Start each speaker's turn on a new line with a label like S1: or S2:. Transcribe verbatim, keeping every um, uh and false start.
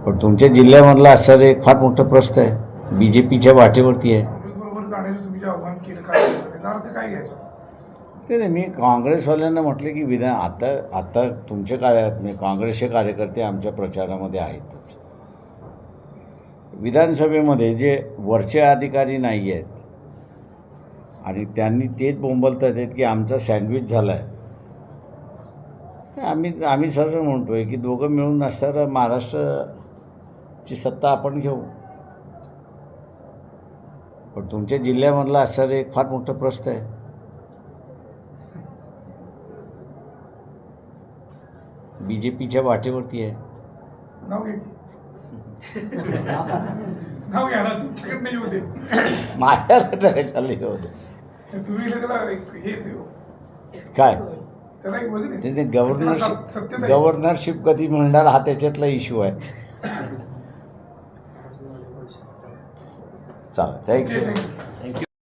S1: पण तुमच्या जिल्ह्यामधला असं एक फार मोठं प्रश्न आहे, बी जे पीच्या वाटेवरती आहे.
S2: बरोबर जाण्याचं तुम्ही जे आव्हान केलं काय त्याचा अर्थ काय घ्यायचा?
S1: ते नाही, मी काँग्रेसवाल्यांना म्हटले की विधान आता आता तुमचे कार्य म्हणजे काँग्रेसचे कार्यकर्ते आमच्या प्रचारामध्ये आहेतच. विधानसभेमध्ये जे वरचे अधिकारी नाही आहेत आणि त्यांनी तेच बोंबलतात आहेत की आमचा सँडविच झाला आहे. आम्ही आम्ही सरळ म्हणतो आहे की दोघं मिळून असणारं महाराष्ट्राची सत्ता आपण घेऊ. पण तुमच्या जिल्ह्यामधला असणारं एक फार मोठं प्रश्न आहे, बी जे पीच्या वाटेवरती आहे.
S2: नाव घ्या नाव घ्या ना, तुमच्याकडे नाही होते
S1: माझ्याकडे कशाला हे होतं
S2: तुम्ही त्याला एक हे देऊ
S1: काय
S2: त्याला एक वजन आहे.
S1: ते
S2: त्याला
S1: गव्हर्नरशिप
S2: सत- सत्यता आहे.
S1: गव्हर्नरशिप कधी मिळणार हा त्याच्यातला इश्यू आहे. चालेल,
S2: ओके,
S1: थँक्यू
S2: थँक्यू.
S1: थँक्यू